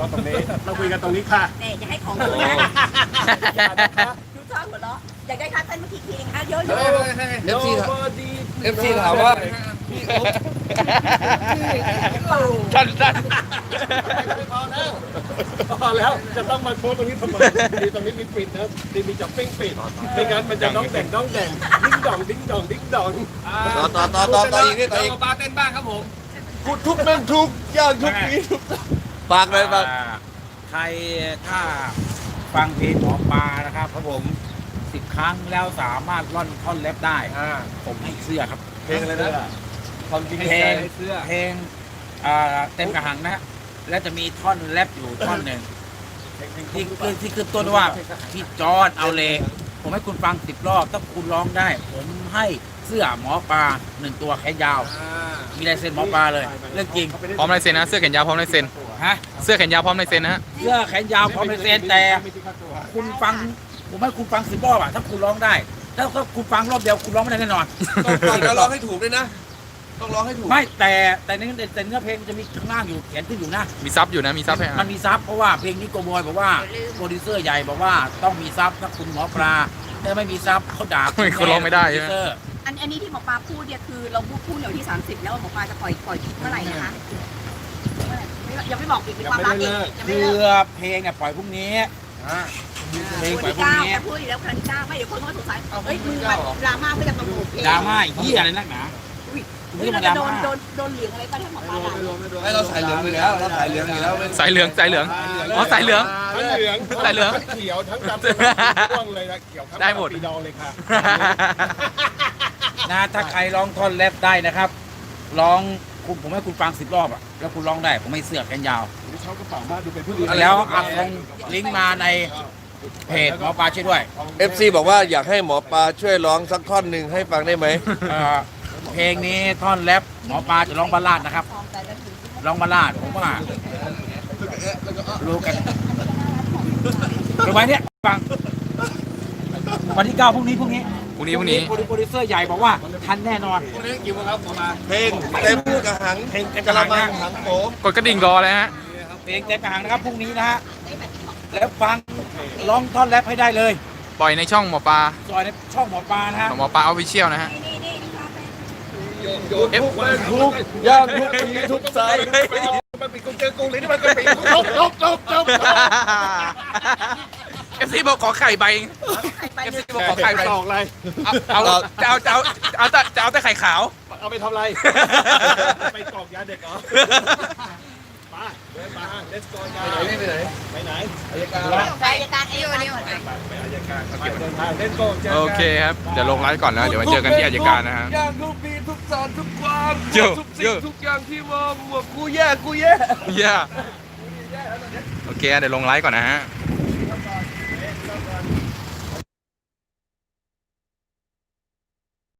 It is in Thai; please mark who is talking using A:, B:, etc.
A: ราะตรงนี้เราคุยกันตรงนี้ค่ะ
B: เนี่ยอย่าให้ของคุณนะ
A: อย่านะคะ
B: ดูชอบหัวเราะอยากได้ค่าเต้นเมื่อกี้ทีนึงอ่ะเยอะๆ
C: เอฟซีถามว่าสั้น
A: พอแล้วจะต้องมาโพสตรงนี้ทำไมดีตรงนี้มีปิดนะดีมีจับปิ้งปิดไม่งั้นมันจะน้องแดงดิ้งดองดิ้งดองดิ้งดอง
C: ต่ออีกนิดต่ออีก
D: ปลาเต้นบ้างครับผม
C: พูดทุกแม่งทุกอย่างทุกนี้ฝากเลยฝาก
D: ใครถ้าฟังเพลงหมอปลานะครับครับผม10 ครั้งแล้วสามารถร่อนท่อนแรปได้ผมให้เสื้อครับ
A: เพลงอะไรนะความจริง
D: เพลงเต็มกระหังนะ และจะมีท่อนแรปอยู่ท่อนหนึ่งที่ขึ้นต้นว่าพี่จอร์ดเอาเลยผมให้คุณฟัง10 รอบถ้าคุณร้องได้ ผมให้เสื้อหมอปลา1 ตัวแขนยาว มีลายเซ็นหมอปลาเลยเรื่องจริง
E: พร้อมลายเซ็นนะเสื้อแขนยาวพร้อมลายเซ็น
D: ฮะ
E: เสื้อแขนยาวพร้อมลายเซ็นนะฮะ
D: เสื้อแขนยาวพร้อมลายเซ็นแต่คุณฟังผมให้คุณฟัง10 รอบอะถ้าคุณร้องได้ถ้าคุณฟังรอบเดียวคุณร้องไม่ได้แน่นอน
C: ต้องฟังแล้วร้องให้ถูกด้วยนะ ต้องร้องให้ถูก
D: ไม่แต่เนื้อเพลงมันจะมีข้างล่างอยู่เขียนขึ้นอยู่นะ
E: มีซับอยู่นะมีซับให้
D: มันมีซับเพราะว่าเพลงนี้โกบอยบอกว่าโปรดิวเซอร์ใหญ่บอกว่าต้องมีซับถ้าคุณหมอปลาถ้าไม่มีซับเขาด่า
E: คุณร้องไม่ได้ใช่ไหม
D: โปรดิวเซอร์
B: อันนี้ที่หมอปลาพูดเนี่ยคือเราพูดเดี๋ยวที่30แล้วหมอปลาจะปล่อยคลิปเมื่อไหร่นะคะยังไม่บอกอีกมีความรักอีกยังไม่
D: คื
B: เลิ
D: อก เพลงเนี่ยปล่อยพรุ่งนี้เพลงปล่อยพรุ่งนี้
B: จะพูดอีกแล้วครั้งที่9ไม่เดี๋ยวคนก็สงสัยเฮ้ยมึงแบบดราม่าเพื่อจะประมูลเพลง
D: ดราม่าเหี้ยอะไรนักหนาไม่
B: นี่
D: ใช่
B: เรา
D: มาด
B: จะ
D: รา
B: โด
D: ม่าน
B: เหลืองอะไรป่ะถ้าหมอปลาด่า
C: ให้เราสายเหลืองอยู่แล้วเราสายเหลืองอยู่แล้ว
E: สายเหลืองอ๋อสายเหลือง
A: ทั้งเหลือง
E: สายเหลือง
A: ทั้งเขียวทั้งดำทั้งเลยนะเขียวทั้ง
E: ได้หมด
A: ปีดองเลยค่ะ
D: นะถ้าใครร้องท่อนแรปได้นะครับร้องผมให้คุณฟัง10 รอบอะแล้วคุณร้องได้ผมให้เสื้อแขนยาว
A: ชอบกระเป๋ามากดูเป็นผู้ดี
D: แล้วอัดลงลิงก์มาในเพจหมอปลาช่วยด้วย
C: FC บอกว่าอยากให้หมอปลาช่วยร้องสักท่อนหนึ่งให้ฟังได้ไหม
D: เพลงนี้ท่อนแรปหมอปลาจะร้องบัลลาดนะครับร้องบัลลาดผมว่ารู้กันวันนี้ฟังวันที่9พรุ่งนี้
E: พรุ่งนี้
D: โปรดิวเซอร์ใหญ่บอกว่าทันแน่นอน
C: เพลงเต็มกระหังกระมังหังโผ
E: กดกระดิ่งรอเลยฮะ
D: เพลงเต็มกระหังนะครับพรุ่งนี้นะฮะแล้วฟังร้องท่อนแรปให้ได้เลย
E: ปล่อยในช่องหมอปลา
D: ซอยในช่องหมอปลานะฮะ
E: หมอปลาออฟฟิเชียลนะฮะ
C: ทุกย่างทุกทีทุกสาย
A: มันปิดกูเจอกูเลยนี่มันก็ปิดจบ
E: FC บอกขอไข่ใบ FC บอกขอไข่ใบ
A: ตอกอะไร
E: เอาแต่ไข่ขาว
A: เอาไปทำอะไรไปตอกยาเด็กเหรอมาเดินมาlet's go ยาไปไหนอายการ
B: ไปอายการเอวนี่หมด
A: ไปอายการไปเดินทางlet's go เจอกัน
E: โอเคครับเดี๋ยวลงไลฟ์ก่อนนะเดี๋ยวมาเจอกันที่อัยการนะฮะ
C: ย่างทุกปีทุกสอนทุกความ
E: เยอะ
C: ทุก
E: เย
C: สิ่ง
E: อะ
C: ทุกอย่างที่ว่ากูแย่
E: เย้โอเคเดี๋ยวลงไลฟ์ก่อนนะฮะ